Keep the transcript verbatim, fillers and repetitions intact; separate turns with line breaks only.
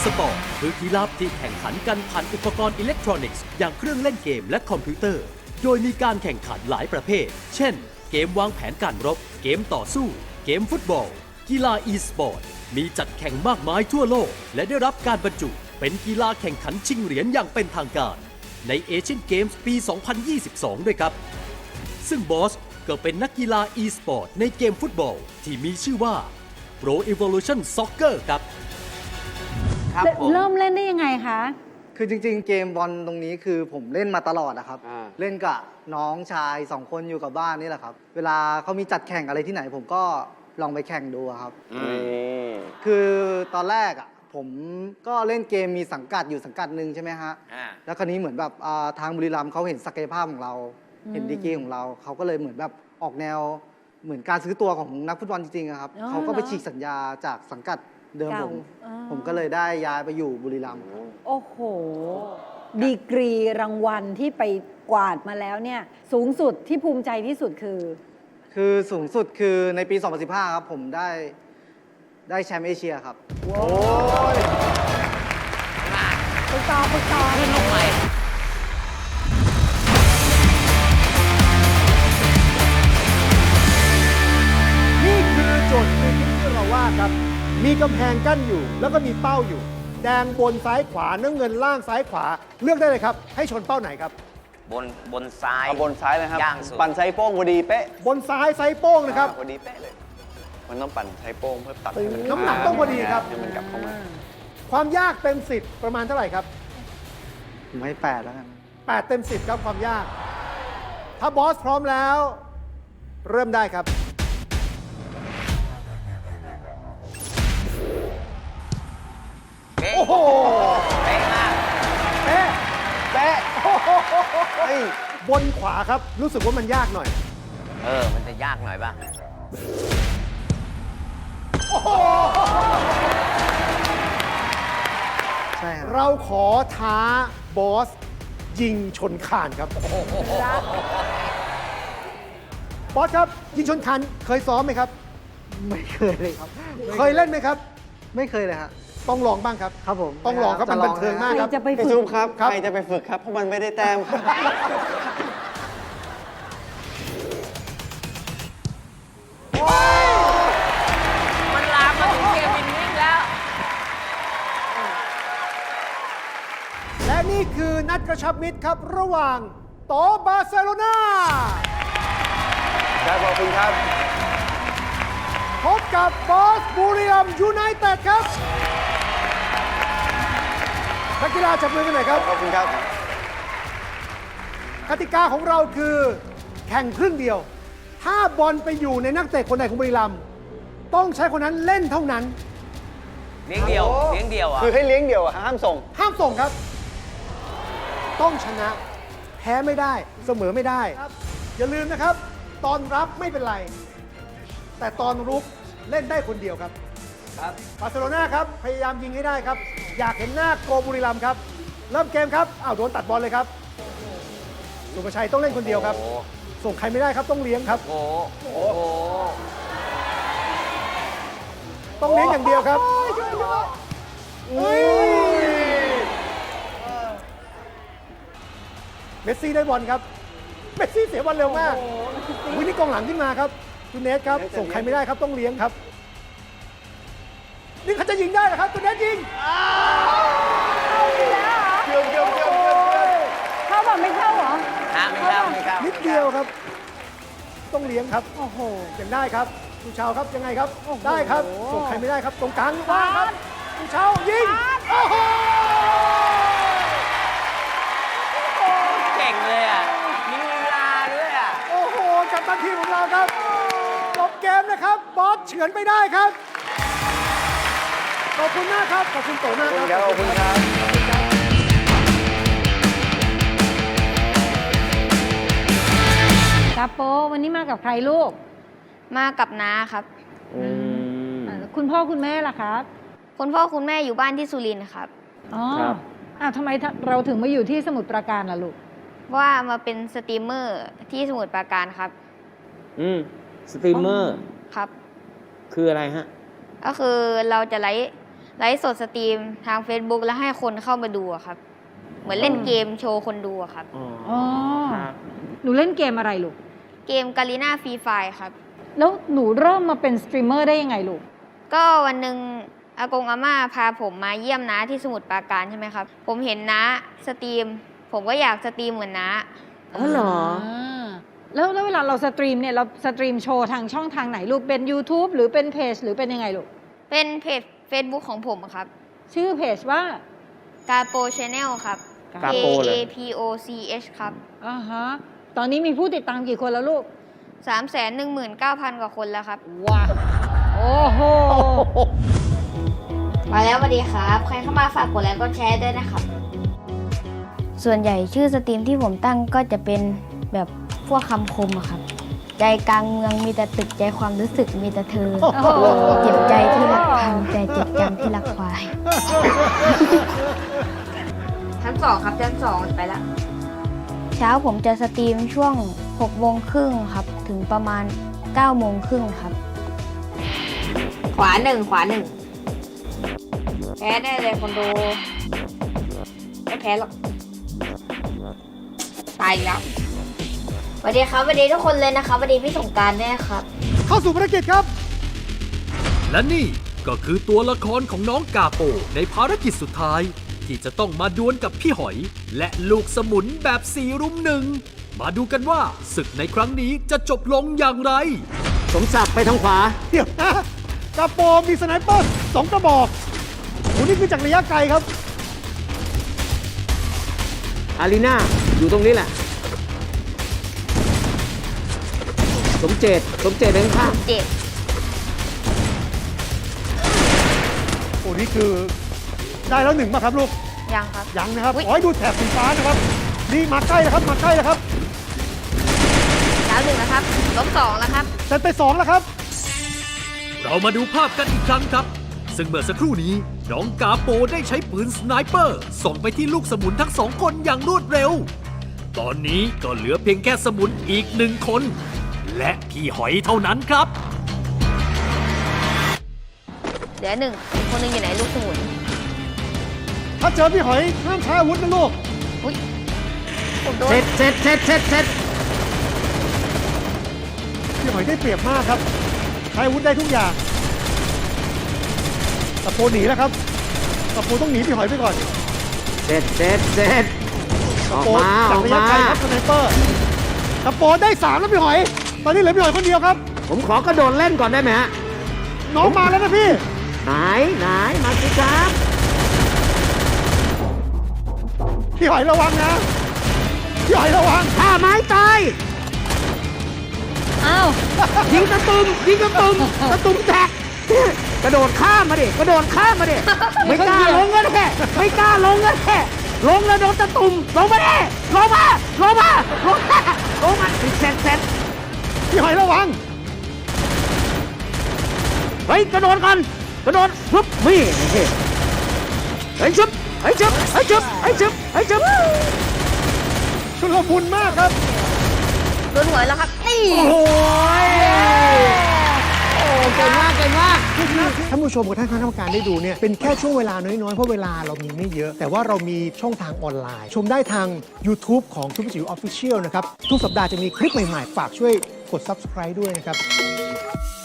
e-sport คือกีฬาที่แข่งขันกันผ่านอุปกรณ์อิเล็กทรอนิกส์อย่างเครื่องเล่นเกมและคอมพิวเตอร์ โดยมีการแข่งขันหลายประเภท เช่น เกมวางแผนการรบ เกมต่อสู้ เกมฟุตบอล กีฬา e-sport มีจัดแข่งมากมายทั่วโลก และได้รับการบรรจุเป็นกีฬาแข่งขันชิงเหรียญอย่างเป็นทางการ ในเอเชียนเกมส์ปี สองพันยี่สิบสอง ด้วยครับ ซึ่งบอสก็เป็นนักกีฬา e-sport ในเกมฟุตบอลที่มีชื่อว่า Pro Evolution Soccer ครับ
ครับผม
เริ่มเล่นได้ยังไงคะ
คือจริงๆ เกมบอลตรงนี้คือผมเล่นมาตลอดนะครับ
อ่า
เล่นกับน้องชายสองคนอยู่กับบ้านนี่แหละครับ เวลาเขามีจัดแข่งอะไรที่ไหน ผมก็ลองไปแข่งดูอะครับ คือตอนแรกอ่ะผมก็เล่นเกมมีสังกัดอยู่สังกัดหนึ่งใช่ไหมฮะ
อ่า
แล้วคราวนี้เหมือนแบบอ่าทางบุรีรัมย์เขาเห็นศักยภาพของเรา
อืม
เห็นดีกรีของเรา เขาก็เลยเหมือนแบบออกแนวเหมือนการซื้อตัวของนักฟุตบอลจริงๆอะครับ
อ๋อ
เขาก็ไป
เหรอ
ฉีกสัญญาจากสังกัดเดิม
เก่า
ผม
อ่า
ผมก็เลยได้ย้ายไปอยู่บุรีรัมย์ครับ
โอ้โห ดีกรีรางวัลที่ไปกวาดมาแล้วเนี่ย สูงสุดที่ภูมิใจที่สุดคือ
คือสูงสุดคือในปี สองพันสิบห้า ครับ ผมได้ได้แชมป์เอเชียครับ
ฝึกต่อฝึกต่อ
ขึ้นลงใหม่
นี่คือโจทย์ฟรีคิกที่เราว่าครับ มีกำแพงกั้นอยู่ แล้วก็มีเป้าอยู่ แดงบนซ้ายขวาน้ำเงินล่างซ้ายขวา เลือกได้เลยครับ ให้ชนเป้าไหนครับ
บนบนซ้าย
เอาบนซ้ายเลยครับ
ย่างสุด
ปั่นไซโป้งพอดีเป๊ะ
บนซ้ายไซส์โป้งนะครับ
อ่าพอดีเป๊ะเลย มันต้องปั่นไซโป้งเพื่อตัดให้มั
น้ำหนักต้องพอดีครับ
ให้มันกลับเข้ามา
ความยากเต็มสิบประมาณเท่าไหร่ครับ
ผมให้แปดแล้วกัน
แปดเต็มสิบครับความยาก ถ้าบอสพร้อมแล้ว เริ่มได้ครับ
เป๊ะ
โอ้โห
เป๊ะมาก
เป๊ะ
เป๊ะ
โอ้โห
เฮ้ย
บนขวาครับ รู้สึกว่ามันยากหน่อย
เออ มันจะยากหน่อยป่ะ
ใช่ครับ
เราขอท้าบอส ยิงชนคานครับ บอสครับ ยิงชนคานเคยซ้อมไหมครับ
ไม่เคยเลยครับ
เคยเล่นไหมครับ
ไม่เคยเลยฮะ
ต้องลองบ้างครับ
ครับผม
ต้องลองครับ
จะ
มันบันเทิงมาก
ใคร
ครับ
จะไป
พี่
ฝึ
ซุ
ก
ปครับ
ครับ
ใครจะไปฝึกครับ เพราะมันไม่ได้แต้มครับ
มันลามมาถึงเกมวินนิ่งแล้ว
และนี่คือนัดกระชับมิตรครับ ระหว่างโตบาร์เซโลนา
ครับขอบคุณครับ
พบกับบอสบุรีรัมย์ยูไนเต็ดครับนักกีฬาจับมือกันหน่อยครับ
ขอบคุณครับ
กติกาของเราคือแข่งครึ่งเดียว ถ้าบอลไปอยู่ในนักเตะคนใดของบุรีรัมย์ต้องใช้คนนั้นเล่นเท่านั้น
เลี้ยงเดียว เลี้ยงเดียวอ่ะ
คือให้เลี้ยงเดี่ยวอะห้ามส่ง
ห้ามส่งครับ ต้องชนะ แพ้ไม่ได้ เสมอไม่ได้ อย่าลืมนะครับ ตอนรับไม่เป็นไร แต่ตอนรุกเล่นได้คนเดียวครับ
ครับ
บาร์เซโลนาครับ พยายามยิงให้ได้ครับ อยากเห็นหน้าโกบุรีรัมย์ครับ เริ่มเกมครับอ้าวโดนตัดบอลเลยครับสุภชัยต้องเล่นคนเดียวครับ
โอ้
ส่งใครไม่ได้ครับต้องเลี้ยงครับ
โอ้โหโอ้โห
ต้องเลี้ยงอย่างเดียวครับอุ้ยเมสซี่ได้บอลครับ เมสซี่เสียบอลเร็วมากวินี่กองหลังขึ้นมาครับตูเนสครับ ส่งใครไม่ได้ครับต้องเลี้ยงครับ นี่เขาจะยิงได้เหรอครับตูเนสยิง
เข้าไปแล้วเหรอ
เกือบเกือบเกือบเกือบเกือบ
เข้าแบบไม่เข้าเหรอ
ฮะไม่เข้าไม่เข้า
นิดเดียวครับ ต้องเลี้ยงครับ
โอ้โห
ยังได้ครับผู้ชาวครับยังไงครับ
โอ้โห
ได้ครับ ส่งใครไม่ได้ครับ ตรงกลางว่างครับผู้ชาวยิง โอ้โห
เก่งเลยอ่ะ มีลีลาด้วยอ่ะ
โอ้โหกัปตันทีมของเราครับจบเกมนะครับ บอสเฉือนไปได้ครับ ขอบคุณมากครับ ขอบคุณโตมาก
ขอบ
ค
คุ
รับ
ณครับ ขอบคุณครับ
ครับโปวันนี้มากับใครลูก
มากับน้าครับ
อ่าคุณพ่อคุณแม่ล่ะครับ
คุณพ่อคุณแม่อยู่บ้านที่สุรินทร์ครับ
อ๋ออ้าวทำไมเราถึงมาอยู่ที่สมุทรปราการล่ะลูก
ว่ามาเป็นสตรีมเมอร์ที่สมุทรปราการครับ
อืมสตรีมเมอร์
ครับ
คืออะไรฮะ
ก็คือเราจะไลฟ์ไลฟ์สดสตรีมทาง Facebook แล้วให้คนเข้ามาดูอะครับ เหมือนเล่นเกมโชว์คนดูอะครับ
อ๋อ หนูเล่นเกมอะไรลูก
เกมกาลิน่าฟรีไฟครับ
แล้วหนูเริ่มมาเป็นสตรีมเมอร์ได้ยังไงลูก
ก็วันหนึ่งอากงอาม่าพาผมมาเยี่ยมน้าที่สมุทรปราการใช่ไหมครับ ผมเห็นน้าสตรีม ผมก็อยากสตรีมเหมือนน้า
อ๋อเหรอ แล้วแล้วเวลาเราสตรีมเนี่ยเราสตรีมโชว์ทางช่องทางไหนลูก เป็น YouTube หรือเป็นเพจหรือเป็นยังไงลูก
เป็นเพจ Facebook ของผมครับ
ชื่อเพจว่า
กาโปชแนลครับ
กา
K
โปเหร
A
อ
P O C H ครับ
อ่าฮะ ตอนนี้มีผู้ติดตามกี่คนแล้วลูก
สามแสนหนึ่งหมื่นเก้าพันกว่าคนแล้วครับ
ว้า โอ้โห
มาแล้วสวัสดีครับ ใครเข้ามาฝากกดไลค์กดแชร์ด้วยนะครับ ส่วนใหญ่ชื่อสตรีมที่ผมตั้งก็จะเป็นแบบพวกคำคมอะครับ ใจกลางเมืองมีแต่ตึกใจความรู้สึกมีแต่เธอ
โอ้โห
เจ็บใจที่รักพังใจเจ็บจังที่รักควาย ชั้นสองครับชั้นสองไปละ เช้าผมจะสตรีมช่วงหกโมงครึ่งครับ ถึงประมาณเก้าโมงครึ่งครับ ขวาหนึ่งขวาหนึ่งแพ้แน่เลยคนดูไม่แพ้หรอกตายอีกแล้วสวัสดีครับสวัสดีทุกคนเลยนะครับสวัสดีพี่สงกรานต์ด้วยนะครับ
เข้าสู่ภารกิจครับ
และนี่ก็คือตัวละครของน้องกาโปในภารกิจสุดท้าย ที่จะต้องมาดวลกับพี่หอย และลูกสมุนแบบสี่รุมหนึ่งมาดูกันว่าศึกในครั้งนี้จะจบลงอย่างไร
สมศักดิ์ไปทางขวา
เดี๋ยวนะกระโปรงมีสไนเปอร์สองกระบอกโหนี่คือจากระยะไกลครับ
อารีนาอยู่ตรงนี้แหละ สมเจตสมเจตเดินข้าง
เจ็บ
โอ้นี่คือได้แล้วหนึ่งมาครับลูก
ยังครับ
ยังนะครับ
อุ๊ย
ขอให้ดูแถบสีฟ้านะครับ นี่มาใกล้แล้วครับ มาใกล้แล้วครับ
ดาวหนึ่งนะครับลบสองแล้วครับ
เซตไปสองแล้วครับ
เรามาดูภาพกันอีกครั้งครับ ซึ่งเมื่อสักครู่นี้น้องกาโปได้ใช้ปืนสไนเปอร์ส่งไปที่ลูกสมุนทั้งสองคนอย่างรวดเร็ว ตอนนี้ก็เหลือเพียงแค่สมุนอีกหนึ่งคน และพี่หอยเท่านั้นครับ
เหลือหนึ่งอีกคนหนึงอยู่ไหนลูกสมุน
ถ้าเจอพี่หอยห้ามใช้อาวุธนะลูก
อุ้ยผมโดน
เสร็จเสร็จเสร็จเสร็จเสร็จ
พี่หอยได้เปรียบมากครับ ใช้อาวุธได้ทุกอย่างตะโพนหนีแล้วครับตะโพนต้องหนีพี่หอยไปก่อน
เสร็จเสร็จเสร็จออก
โปน
มาอ
จา
อก ก
ระยะ
มา
ไกลครับสไนเปอร์ตะโปนได้สามแล้วพี่หอย ตอนนี้เหลือพี่หอยคนเดียวครับ
ผมขอกระโดดเล่นก่อนได้ไหมฮะ
น้องมาแล้วนะพี่
ไหนไหนมาสิครับ
พี่หอยระวังนะ พี่หอยระวัง
ถ้าไม้ตาย
อ้าว
ยิงตะตุ่มยิงตะตุ่มตะตุ่มแตกกระโดดข้ามมาดิกระโดดข้ามมาดิไม่กล้าลงก็แค่ไม่กล้าลงก็แค่ลงแล้วโดนตะตุ่มลงมาดิลงมาลงมาลงมาลงมาเสร็จเสร็จ
พี่หอยระวัง
เฮ้ยกระโดดก่อนกระโดดปุ๊บนี่เฮ้ยชุบเฮ้ยชุบเฮ้ยชุบเฮ้ยชุบเฮ้ยชุบ
ชุลมุนมากครับ
โดนหัวแล้วครับ นี่
โอ้ยโอ้เก่งมากเก่งมาก
ท่านผู้ชมกับท่านคณะกรรมการได้ดูเนี่ยเป็นแค่ช่วงเวลาน้อยๆ เพราะเวลาเรามีไม่เยอะ แต่ว่าเรามีช่องทางออนไลน์ ชมได้ทาง YouTube ของทุกจิ๋วออฟฟิเชียลนะครับ ทุกสัปดาห์จะมีคลิปใหม่ๆ ฝากช่วยกด Subscribe ด้วยนะครับ